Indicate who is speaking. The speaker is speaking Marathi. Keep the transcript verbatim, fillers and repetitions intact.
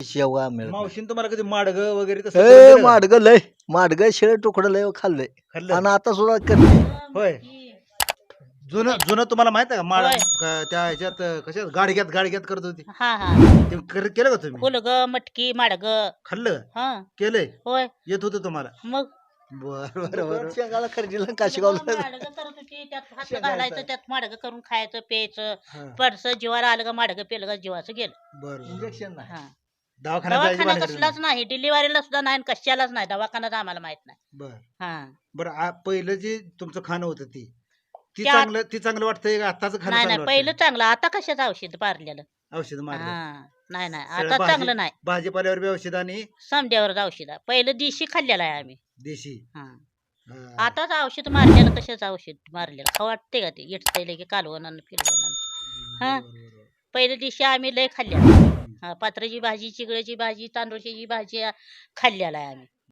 Speaker 1: शेवगा मिळत
Speaker 2: मावशीन तुम्हाला कधी माडग वगैरे तसं
Speaker 1: नाही.
Speaker 2: करून
Speaker 1: ए
Speaker 2: दिलं का?
Speaker 1: माडग लय माडग शेळ तुकडं लय खाल्लंय
Speaker 2: खाल्लं
Speaker 1: आणि आता सुद्धा करते
Speaker 2: होय जुनं जुनं तुम्हाला माहित आहे का माड
Speaker 3: होय.
Speaker 2: का- त्या ह्याच्यात कशात गाडग्यात गाडग्यात करत होती
Speaker 3: हा हा
Speaker 2: ते कर- केलं का तुम्ही
Speaker 3: फुलग मटकी माडग
Speaker 2: खाल्लं का?
Speaker 3: हा
Speaker 2: केलंय
Speaker 3: होय
Speaker 2: येत होतं तुम्हाला
Speaker 3: मग
Speaker 2: बर बर बर
Speaker 1: शेंगाला खर्जीला
Speaker 3: फुलगं
Speaker 1: काशीगावला
Speaker 3: माडगं करत होती त्यात हात
Speaker 1: शेंगायचं.
Speaker 3: घालायचं त्यात माडगं करून खायचं प्यायचं
Speaker 2: हा.
Speaker 3: पडसं जीवाला आलं का माडगं पेलं का जीवाचं गेलं
Speaker 2: बर बर.
Speaker 1: इंजेक्शन नाही
Speaker 3: हा
Speaker 2: दवाखान्यात जायची
Speaker 3: दवाखाना
Speaker 2: भानगड
Speaker 3: कसलाच
Speaker 2: नाही.
Speaker 3: नाही डिलिव्हरीला सुद्धा नाही आणि कशालाच नाही दवाखान्यात आम्हाला माहित नाही
Speaker 2: बर
Speaker 3: हा
Speaker 2: बर आ- पहिलं जे तुमचं खाणं होतं ती ती
Speaker 3: त्या-
Speaker 2: चांगलं ती चांगलं वाटतंय का आताच खाणं
Speaker 3: नाही
Speaker 2: चांगलं
Speaker 3: नाही पहिलं
Speaker 2: वाटतंय?
Speaker 3: चांगलं आता कशाचं औषध पारलेलं
Speaker 2: औषध मारलं
Speaker 3: हा नाही नाही
Speaker 2: सगळं
Speaker 3: आता
Speaker 2: भाजी-
Speaker 3: चांगलं नाही
Speaker 2: भाजीपाल्यावर बी औषध आणि
Speaker 3: समद्यावरच औषध आहे. पहिलं देशी खाल्लेलं आहे आम्ही
Speaker 2: देशी
Speaker 3: हा
Speaker 2: हा.
Speaker 3: आताच औषध मारलेलं कशाचं औषध मारलेलं खाऊ वाटते का ते इटतंय की कालवण फिरवण हा
Speaker 2: बरोबर, बरोबर.
Speaker 3: पहिल्या दिवशी आम्ही लय खाल्ल्या
Speaker 2: हम्म.
Speaker 3: हा पात्राची भाजी चिगळ्याची भाजी तांदूळची भाजी खाल्लेला आहे आम्ही